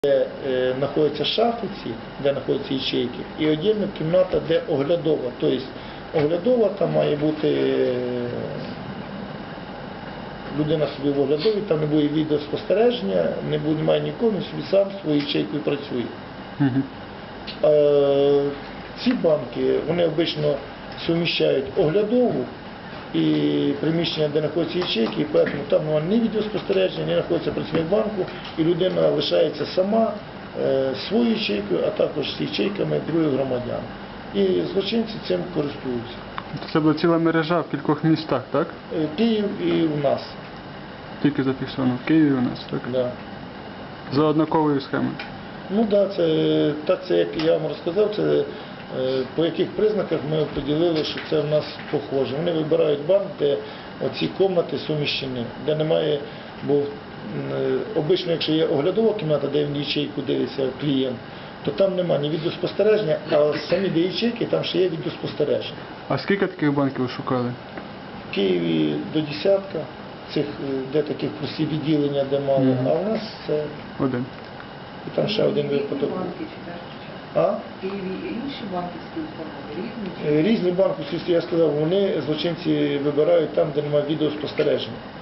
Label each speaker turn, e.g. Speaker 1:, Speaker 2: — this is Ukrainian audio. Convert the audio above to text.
Speaker 1: Де знаходяться шафи ці, де знаходяться ячейки, і окрема кімната, де оглядова. Тобто оглядова, там має бути людина собі в оглядовій, там не буде відеоспостереження, немає нікого, він собі сам своєю ячейкою працює. Ці банки, вони обично суміщають оглядову і приміщення, де знаходяться ячейки, і тому там немає ні відеоспостереження, ні знаходиться працівник банку, і людина лишається сама своєю ячейкою, а також з ячейками других громадян. І злочинці цим користуються.
Speaker 2: Це була ціла мережа в кількох містах, так?
Speaker 1: Київ і у нас.
Speaker 2: Тільки зафіксовано в Києві у нас, так?
Speaker 1: Да.
Speaker 2: За однаковою схемою.
Speaker 1: Ну так, це, як я вам розказав, це по яких признаках ми поділили, що це в нас похоже. Вони вибирають банк, де оці кімнати суміщені, де немає, бо обично, якщо є оглядова кімната, де в ячейку дивиться клієнт, то там немає ні відеоспостереження, а самі де ячейки, там ще є відеоспостереження.
Speaker 2: А скільки таких банків ви шукали?
Speaker 1: В Києві до десятка, цих, де таких прості відділення, де мало, а у нас це
Speaker 2: Один.
Speaker 1: і там ще один випадок. А?
Speaker 3: В Києві інші банківські установи, різні?
Speaker 1: Різні банківські, я сказав, вони, злочинці, вибирають там, де немає відеоспостереження.